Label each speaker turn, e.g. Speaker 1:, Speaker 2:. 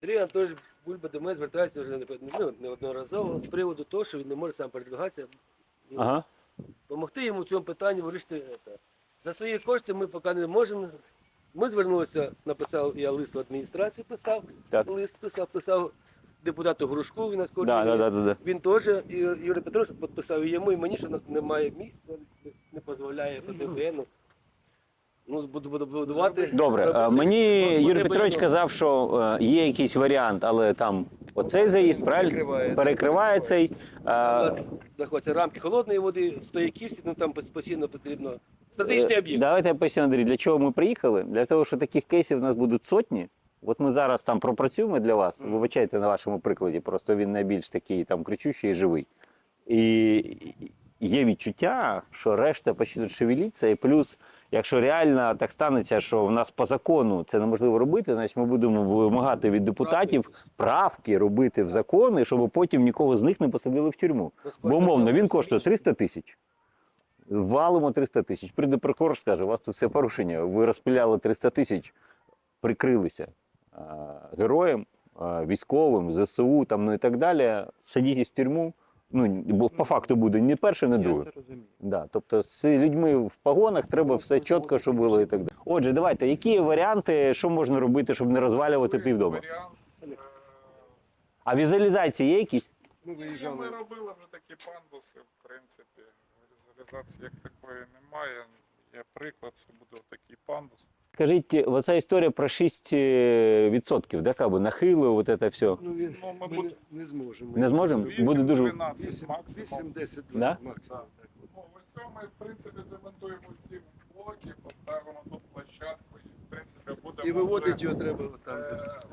Speaker 1: Андрій Анатолійович Бульба до мене звертається вже неодноразово з приводу того, що він не може сам передвигатися.
Speaker 2: Ага.
Speaker 1: Допомогти йому в цьому питанні вирішити це. За свої кошти ми поки не можемо. Ми звернулися, написав, я лист в адміністрацію писав,
Speaker 2: Так.
Speaker 1: лист писав депутату Грушку, він нас
Speaker 2: Да.
Speaker 1: Він теж, і Юрій Петрович підписав і йому, і мені, що немає місця, не дозволяє ФДВН. Ну, буду будувати.
Speaker 2: Добре, мені Юрій Петрович казав, що є якийсь варіант, але там оцей заїзд, правильно? Перекриває цей.
Speaker 1: У нас знаходяться рамки холодної води, стояки всі, ну там постійно потрібно. Стратегічний об'єкт.
Speaker 2: Давайте я поясню, Андрій, для чого ми приїхали? Для того, що таких кейсів у нас будуть сотні. От ми зараз там пропрацюємо для вас, вибачайте на вашому прикладі, просто він найбільш такий там кричущий і живий. І є відчуття, що решта почнуть шевелитися, і плюс, якщо реально так станеться, що в нас по закону це неможливо робити, значить ми будемо вимагати від депутатів правки робити в закони, щоб потім нікого з них не посадили в тюрму. Бо, умовно, він коштує 300 тисяч. Валимо 300 тисяч. Прийде прокурор, скаже, у вас тут все порушення, ви розпиляли 300 тисяч, прикрилися героям, військовим, ЗСУ там, ну і так далі, садіть в тюрму. Ну, бо по факту буде ні перше, ні друге.
Speaker 3: Я це розумію.
Speaker 2: Да, тобто з людьми в погонах треба все чітко, щоб було і так далі. Отже, давайте, які варіанти, що можна робити, щоб не розвалювати півдома?
Speaker 4: Варіант,
Speaker 2: А візуалізації є якісь?
Speaker 3: Ну,
Speaker 4: ми
Speaker 3: виїжджали.
Speaker 4: робили вже такі пандуси, в принципі, візуалізації як такої немає. Є приклад, це буде такий пандус.
Speaker 2: Скажіть, оця історія про 6%, да, как бы, нахилу, вот это все.
Speaker 3: Ну, він,
Speaker 4: Ну, ми
Speaker 3: ми
Speaker 4: будемо-
Speaker 3: не зможемо.
Speaker 2: Не зможемо? Буде дуже-
Speaker 4: 12 максимум.
Speaker 3: 8-10
Speaker 2: Да?
Speaker 3: максимум. Так.
Speaker 4: Ну, ось цього ми, в принципі, демонтуємо ці блоки, поставимо тут площадку і, в принципі, будемо
Speaker 3: І виводити
Speaker 4: вже,
Speaker 3: його треба там
Speaker 4: е,
Speaker 3: десь.